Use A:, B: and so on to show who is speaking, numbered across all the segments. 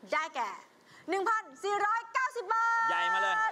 A: ได้แก่ 1,490 บาท
B: ใหญ่มาเลย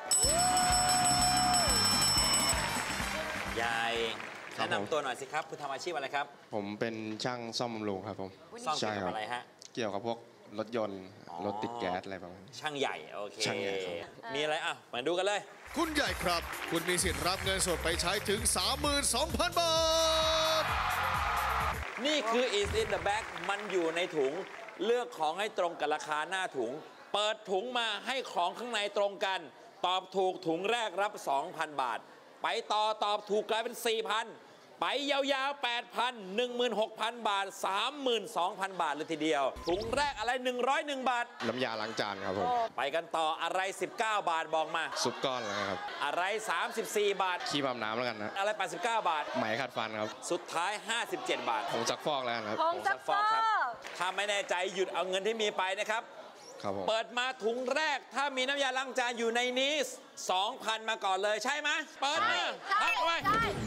B: ใหญ่แนะนำตัวหน่อยสิครับคุณทำอาชีพอะไรครับ
C: ผมเป็นช่างซ่อมบำรุงครับผม
B: ซ่อมเกี่ยวกับอะไรฮะ
C: เกี่ยวกับพวกรถยนต์รถติดแก๊สอะไรประมาณนี้
B: ช่างใหญ่โอเค
C: ช่างใหญ่ครับ
B: มีอะไรอ่ะมาดูกันเลย
D: คุณใหญ่ครับคุณมีสิทธิ์รับเงินสดไปใช้ถึง 32,000 บาท
B: นี่คือ is in the bag มันอยู่ในถุงเลือกของให้ตรงกับราคาหน้าถุงเปิดถุงมาให้ของข้างในตรงกันตอบถูกถุงแรกรับ 2,000 บาทไปต่อตอบถูกกลายเป็น 4,000 ไปยาวๆ 8,000 16,000 บาท 32,000 บาทเลยทีเดียวถุงแรกอะไร101 บาท
C: น้ำยาล้างจานครับผม
B: ไปกันต่ออะไร19 บาทบอกมา
C: ซุปก้อนอะไรครับ
B: อะไร34 บาท
C: ขี้อาบน้ำแล้วกันนะ
B: อะไร89 บาท
C: ไหมขัดฟันครับ
B: สุดท้าย57 บาท
C: ผงซักฟอกแล้วครับ
A: ผงซักฟอก
B: ครับถ้าไม่แน่ใจหยุดเอาเงินที่มีไปนะครับเปิดมาถุงแรกถ้ามีน้ำยาล้างจานอยู่ในนี้ 2,000 มาก่อนเลยใช่ไหมเปิดมาพักไว้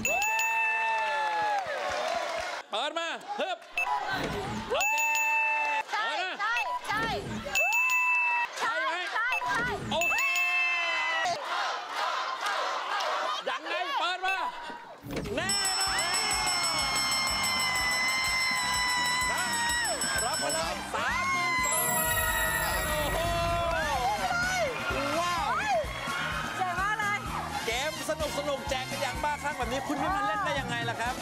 B: เปิดมาฮึบโอเค
A: ใช่ใช่ใช่
B: ใช่ไหมโอเคยังไงเปิดมาแน่นอนรับไปเลย32,000โอ้โหว้าว
A: เจ๋งมากเลย
B: เกมสนุกแจกกันอย่างบ้าคลั่งแบบนี้คุณไม่มาเล่นได้ยังไงล่ะครับ